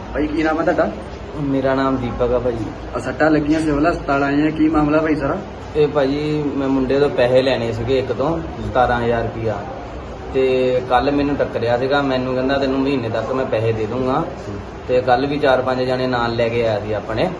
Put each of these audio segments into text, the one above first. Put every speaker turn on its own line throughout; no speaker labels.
ਭਾਈ ਕੀ ਨਾਮ ਹੈ ਤੁਹਾਡਾ?
ਮੇਰਾ ਨਾਮ ਦੀਪਕ ਆ ਭਾਜੀ।
ਸੱਟਾਂ ਲੱਗੀਆਂ ਸਿਵਲ ਹਸਪਤਾਲ ਆਏ ਆ, ਕੀ ਮਾਮਲਾ ਭਾਈ ਸਾਰਾ?
ਇਹ ਭਾਜੀ ਮੈਂ ਮੁੰਡੇ ਤੋਂ ਪੈਸੇ ਲੈਣੇ ਸੀਗੇ ਇੱਕ ਤੋਂ 17,000 ਰੁਪਇਆ, ਤੇ ਕੱਲ ਮੈਨੂੰ ਟੱਕਰਿਆ ਸੀਗਾ। ਮੈਨੂੰ ਕਹਿੰਦਾ ਤੈਨੂੰ ਮਹੀਨੇ ਤੱਕ ਮੈਂ ਪੈਸੇ ਦੇ ਦੂੰਗਾ, ਤੇ ਕੱਲ ਵੀ 4-5 ਜਣੇ ਨਾਲ ਲੈ ਕੇ ਆਇਆ ਸੀ ਆਪਣੇ।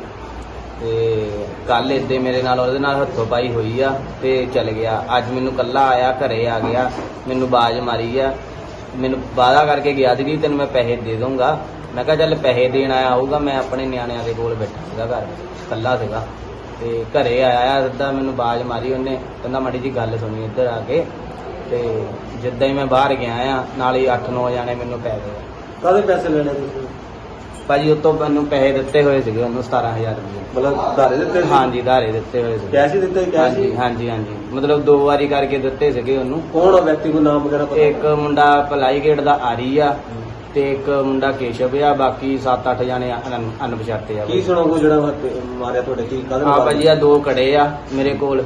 ਤੇ ਕੱਲ ਇੱਦਾਂ ਮੇਰੇ ਨਾਲ ਉਹਦੇ ਨਾਲ ਹੱਥੋਂ ਪਾਈ ਹੋਈ ਆ ਤੇ ਚਲ ਗਿਆ। ਅੱਜ ਮੈਨੂੰ ਕੱਲਾ ਆਇਆ, ਘਰੇ ਆ ਗਿਆ, ਮੈਨੂੰ ਬਾਜ਼ ਮਾਰੀ ਆ, ਮੈਨੂੰ ਵਾਅਦਾ ਕਰਕੇ ਗਿਆ ਸੀ ਕਿ ਤੈਨੂੰ ਮੈਂ ਪੈਸੇ ਦੇ ਦੂੰਗਾ। ਮੈਂ ਕਿਹਾ ਚੱਲ ਪੈਸੇ ਦੇਣ ਆਇਆ ਹੋਊਗਾ, ਮੈਂ ਆਪਣੇ ਨਿਆਣਿਆਂ ਦੇ ਕੋਲ ਬੈਠਾ ਸੀਗਾ, ਘਰ ਕੱਲਾ ਸੀਗਾ। ਤੇ ਘਰੇ ਆਇਆ ਸਿੱਧਾ ਮੈਨੂੰ ਬਾਜ਼ ਮਾਰੀ ਉਹਨੇ, ਕਹਿੰਦਾ ਮਾੜੀ ਜੀ ਗੱਲ ਸੁਣੀ ਇੱਧਰ ਆ ਕੇ। ਤੇ ਜਿੱਦਾਂ ਹੀ ਮੈਂ ਬਾਹਰ ਗਿਆ ਆ, ਨਾਲ ਹੀ 8-9 ਜਾਣੇ ਮੈਨੂੰ ਪੈ ਗਏ।
ਕਾਹਦੇ ਪੈਸੇ ਲੈਣੇ ਤੁਸੀਂ?
ਭਾਜੀ ਉਤੋਂ ਮੈਨੂੰ ਪੈਸੇ ਦਿੱਤੇ ਹੋਏ ਸੀਗੇ ਉਹਨੂੰ 17,000 ਰੁਪਏ।
ਮਤਲਬ ਧਾਰੇ ਦਿੱਤੇ ਸੀ?
ਹਾਂਜੀ, ਧਾਰੇ ਦਿੱਤੇ ਹੋਏ ਸੀਗੇ।
ਕੈਸ਼ ਹੀ ਦਿੱਤੇ? ਕੈਸ਼ ਹੀ?
ਹਾਂਜੀ, ਮਤਲਬ 2 ਵਾਰੀ ਕਰਕੇ ਦਿੱਤੇ ਸੀਗੇ ਉਹਨੂੰ।
ਕੌਣ ਆ ਵਿਅਕਤੀ, ਕੋ ਨਾਮ ਵਗੈਰਾ ਪਤਾ?
ਇੱਕ ਮੁੰਡਾ ਭਲਾਈ ਗੇਟ ਦਾ ਆਰੀ ਆ, ਤੇ ਇੱਕ ਮੁੰਡਾ ਕੇਸ਼ਵ ਆ, ਬਾਕੀ 7-8 ਜਾਣੇ ਅਣਪਛਾਤੇ ਆ।
ਕੀ ਸੁਣੋਗੇ ਜਿਹੜਾ ਮਾਰਿਆ ਤੁਹਾਡੇ? ਕੀ ਕਾਹਦੇ
ਹਾਂ ਭਾਜੀ, ਆ 2 ਕੜੇ ਆ ਮੇਰੇ ਕੋਲ,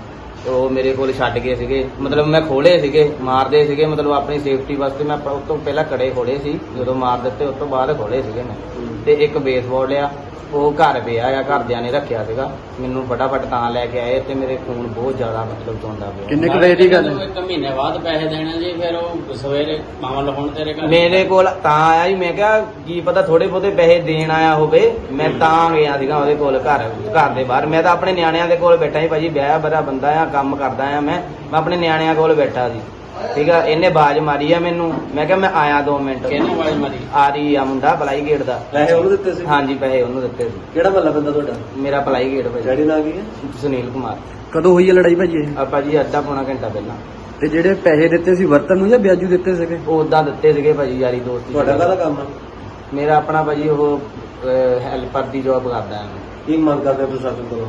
ਉਹ ਮੇਰੇ ਕੋਲ ਛੱਡ ਗਏ ਸੀਗੇ। ਮਤਲਬ ਮੈਂ ਖੋਲੇ ਸੀਗੇ, ਮਾਰਦੇ ਸੀਗੇ, ਮਤਲਬ ਆਪਣੀ ਸੇਫਟੀ ਵਾਸਤੇ ਮੈਂ ਉਸ ਤੋਂ ਪਹਿਲਾਂ ਕੜੇ ਖੋਲੇ ਸੀ, ਜਦੋਂ ਮਾਰ ਦਿੱਤੇ ਉਸ ਤੋਂ ਬਾਅਦ ਖੋਲੇ ਸੀਗੇ ਮੈਂ। ਤੇ ਇੱਕ ਬੇਸਬਾਲ ਆ, ਉਹ ਘਰ ਪਿਆ ਆ, ਘਰਦਿਆਂ ਨੇ ਰੱਖਿਆ ਸੀਗਾ। ਮੈਨੂੰ ਫਟਾਫਟ ਤਾਂ ਲੈ ਕੇ ਆਏ, ਤੇ ਮੇਰੇ ਖੂਨ ਬਹੁਤ ਜ਼ਿਆਦਾ ਮਤਲਬ ਚੋਂਦਾ ਪਿਆ।
ਕਿੰਨੇ ਕੁ ਵਜੇ ਦੀ ਗੱਲ ਹੈ?
1 ਮਹੀਨੇ ਬਾਅਦ ਪੈਸੇ ਦੇਣੇ ਜੀ, ਫਿਰ ਉਹ ਸਵੇਰੇ ਮਾਮਲ ਹੁਣ ਤੇਰੇ ਘਰ
ਮੇਰੇ ਕੋਲ ਤਾਂ ਆਇਆ ਜੀ, ਮੈਂ ਕਿਹਾ ਕੀ ਪਤਾ ਥੋੜੇ ਬਹੁਤੇ ਪੈਸੇ ਦੇਣ ਆਇਆ ਹੋਵੇ, ਮੈਂ ਤਾਂ ਗਿਆ ਸੀਗਾ ਉਹਦੇ ਕੋਲ ਘਰ ਦੇ ਬਾਹਰ। ਮੈਂ ਤਾਂ ਆਪਣੇ ਨਿਆਣਿਆਂ ਦੇ ਕੋਲ ਬੈਠਾ ਸੀ ਭਾਜੀ, ਵਿਆਹ ਬੜਾ ਬੰਦਾ ਆ, ਕੰਮ ਕਰਦਾ ਆ ਮੈਂ ਆਪਣੇ ਨਿਆਣਿਆਂ ਕੋਲ ਬੈਠਾ ਸੀ, ਠੀਕ ਆ। ਇਹਨੇ ਬਾਜ਼ ਮਾਰੀ ਆ ਮੈਨੂੰ, ਮੈਂ ਕਿਹਾ ਮੈਂ ਆਇਆ 2 ਮਿੰਟ।
ਕਿਹਨੇ ਆਵਾਜ਼ ਮਾਰੀ?
ਆ ਰਹੀ ਆ ਮੁੰਡਾ ਭਲਾਈ ਗੇਟ ਦਾ।
ਪੈਸੇ ਉਹਨੂੰ ਦਿੱਤੇ ਸੀ?
ਹਾਂਜੀ, ਪੈਸੇ ਉਹਨੂੰ ਦਿੱਤੇ ਸੀ।
ਕਿਹੜਾ ਮਹੱਲਾ ਪੈਂਦਾ ਤੁਹਾਡਾ?
ਮੇਰਾ ਭਲਾਈ ਗੇਟ ਭਾਜੀ।
ਡੈਡੀ ਨਾਂ ਕੀ ਹੈ?
ਸੁਨੀਲ ਕੁਮਾਰ।
ਕਦੋਂ ਹੋਈ ਹੈ ਲੜਾਈ ਭਾਜੀ ਇਹ?
ਆਪਾਂ ਜੀ ਅੱਧਾ ਪੌਣਾ ਘੰਟਾ ਪਹਿਲਾਂ।
ਤੇ ਜਿਹੜੇ ਪੈਸੇ ਦਿੱਤੇ ਸੀ ਵਰਤਨ ਨੂੰ ਜਾਂ ਵਿਆਜੂ ਦਿੱਤੇ ਸੀਗੇ?
ਉਹ ਉਦਾਂ ਦਿੱਤੇ ਸੀਗੇ ਭਾਜੀ, ਯਾਰੀ ਦੋਸਤੀ।
ਤੁਹਾਡਾ ਕਾਹਦਾ ਕੰਮ ਹੈ?
ਮੇਰਾ ਆਪਣਾ ਭਾਜੀ ਉਹ ਹੈਲਪਰ ਦੀ ਜੋਬ ਕਰਦਾ ਹਾਂ।
ਕੀ ਮੰਗ ਕਰਦੇ ਪ੍ਰਸ਼ਾਸਨ ਕੋਲੋਂ?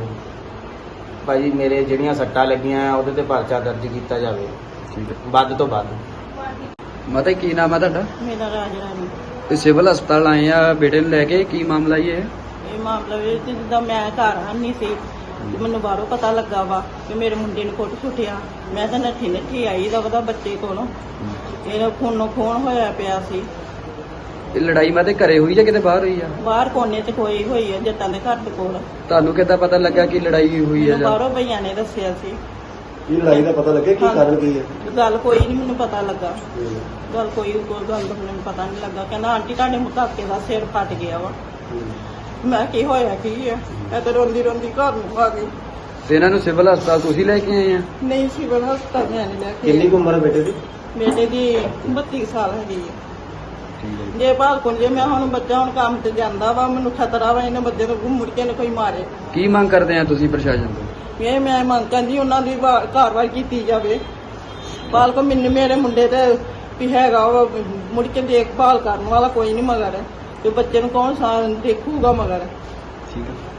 ਭਾਜੀ ਮੇਰੇ ਜਿਹੜੀਆਂ ਸੱਟਾਂ ਲੱਗੀਆਂ ਉਹਦੇ ਤੇ ਪਰਚਾ ਦਰਜ ਕੀਤਾ ਜਾਵੇ,
ਠੀਕ ਹੈ।
ਵੱਧ ਤੋਂ ਵੱਧ।
ਮਾਤਾ ਕੀ ਨਾਮ ਹੈ ਤੁਹਾਡਾ?
ਮੇਰਾ ਰਾਜ ਰਾਣੀ।
ਤੇ ਸਿਵਲ ਹਸਪਤਾਲ ਆਏ ਆ ਬੇਟੇ ਨੂੰ ਲੈ ਕੇ, ਕੀ ਮਾਮਲਾ ਇਹ?
ਇਹ ਮਾਮਲਾ ਵੀ ਜਿੱਦਾਂ ਮੈਂ ਘਰ ਨਹੀਂ ਸੀ, ਤੇ ਮੈਨੂੰ ਬਾਹਰੋਂ ਪਤਾ ਲੱਗਾ ਵਾ ਕਿ ਮੇਰੇ ਮੁੰਡੇ ਨੂੰ ਕੁੱਟ ਸੁੱਟਿਆ। ਮੈਂ ਤਾਂ ਨੱਠੀ ਆਈ ਦਾ ਉਹਦਾ ਬੱਚੇ ਕੋਲੋਂ, ਇਹਦਾ ਖੂਨੋਂ ਖੂਨ ਹੋਇਆ ਪਿਆ ਸੀ।
ਇਹ ਲੜਾਈ ਮਾਤੇ ਘਰੇ ਹੋਈ ਜਾਂ ਕਿਤੇ ਬਾਹਰ ਹੋਈ ਆ?
ਬਾਹਰ ਕੋਨੇ 'ਚ ਕੋਈ ਹੋਈ ਆ, ਜੱਟਾਂ ਦੇ ਘਰ ਦੇ ਕੋਲ।
ਤੁਹਾਨੂੰ ਕਿੱਦਾਂ ਪਤਾ ਲੱਗਾ ਕਿ ਲੜਾਈ ਹੋਈ ਆ?
ਮੈਨੂੰ
ਜਾਂ
ਬਾਹਰੋਂ ਭਈਆਂ ਨੇ ਦੱਸਿਆ ਸੀ।
ਕੀ ਲੜਾਈ ਦਾ ਪਤਾ ਲੱਗਿਆ? ਕੀ ਕਾਰਨ ਕੀ ਹੈ?
ਗੱਲ ਕੋਈ ਨਹੀਂ ਮੈਨੂੰ ਪਤਾ ਲੱਗਾ, ਕੋਈ ਗੱਲ ਦਾ ਮੈਨੂੰ ਪਤਾ ਨਹੀਂ ਲੱਗਾ। ਕਹਿੰਦਾ ਆਂਟੀ ਤੁਹਾਡੇ ਮੁਕਾਕੇ ਦਾ ਸਿਰ ਫਟ ਗਿਆ ਵਾ। ਮੈਂ ਕੀ ਹੋਇਆ ਕੀ ਹੈ? ਮੈਂ ਤਾਂ ਰੋਂਦੀ ਘਰ ਨੂੰ ਆ ਗਈ।
ਤੇ ਇਹਨਾਂ ਨੂੰ ਸਿਵਲ ਹਸਪਤਾਲ ਤੁਸੀਂ ਲੈ ਕੇ ਆਏ ਆ?
ਨਹੀਂ ਸਿਵਲ ਹਸਪਤਾਲ ਮੈਂ ਨਹੀਂ ਲੈ ਕੇ
ਕਿੰਨੀ ਕੁ ਉਮਰ ਹੈ ਬੇਟੇ ਦੀ?
ਬੇਟੇ ਦੀ 32 ਸਾਲ ਹੈਗੀ ਹੈ।
ਠੀਕ ਹੈ।
ਜੇ ਭਾਲਕੁਣ ਜੇ ਮੈਂ ਹੁਣ ਬੱਚਾ ਹੁਣ ਕੰਮ ਤੇ ਜਾਂਦਾ ਵਾ, ਮੈਨੂੰ ਖਤਰਾ ਵਾ ਇਹਨੇ ਬੱਚੇ ਨੂੰ ਮੁੜ ਕੇ ਨਾ ਕੋਈ ਮਾਰੇ।
ਕੀ ਮੰਗ ਕਰਦੇ ਆ ਤੁਸੀਂ ਪ੍ਰਸ਼ਾਸਨ ਤੋਂ?
ਇਹ ਮੈਂ ਮੰਗ ਕਰਦੀ ਉਹਨਾਂ ਦੀ ਕਾਰਵਾਈ ਕੀਤੀ ਜਾਵੇ। ਭਾਲਕੁਣ ਮੈਨੂੰ ਮੇਰੇ ਮੁੰਡੇ ਤੇ ਵੀ ਹੈਗਾ ਵਾ, ਮੁੜ ਕੇ ਦੇਖਭਾਲ ਕਰਨ ਵਾਲਾ ਕੋਈ ਨਹੀਂ ਮਗਰ, ਤੇ ਬੱਚੇ ਨੂੰ ਕੌਣ ਦੇਖੂਗਾ ਮਗਰ।
ਠੀਕ ਹੈ।